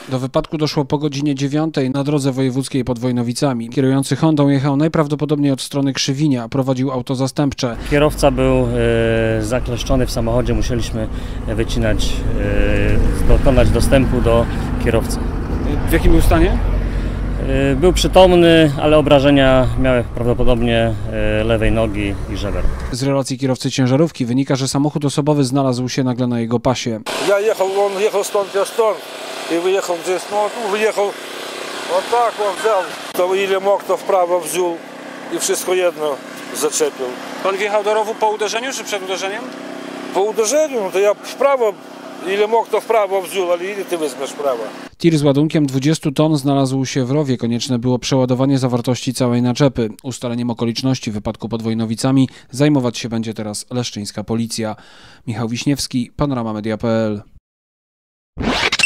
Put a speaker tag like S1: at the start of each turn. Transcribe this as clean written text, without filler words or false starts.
S1: Do wypadku doszło po godzinie 9 na drodze wojewódzkiej pod Wojnowicami. Kierujący Hondą jechał najprawdopodobniej od strony Krzywinia, a prowadził auto zastępcze.
S2: Kierowca był zakleszczony w samochodzie, musieliśmy dokonać dostępu do kierowcy.
S1: W jakim był stanie?
S2: Był przytomny, ale obrażenia miał prawdopodobnie lewej nogi i żeber.
S1: Z relacji kierowcy ciężarówki wynika, że samochód osobowy znalazł się nagle na jego pasie.
S3: Ja jechał, on jechał stąd i wyjechał gdzieś, wyjechał, tak on wziął. To ile mógł, to w prawo wziął i wszystko jedno zaczepił.
S1: Pan wjechał do rowu po uderzeniu czy przed uderzeniem?
S3: Po uderzeniu, no to ja w prawo, ile mógł, to w prawo wziął, ale ile ty weźmiesz w prawo?
S1: Tir z ładunkiem 20 ton znalazł się w rowie. Konieczne było przeładowanie zawartości całej naczepy. Ustaleniem okoliczności wypadku pod Wojnowicami zajmować się będzie teraz leszczyńska policja. Michał Wiśniewski, Panorama Media.pl.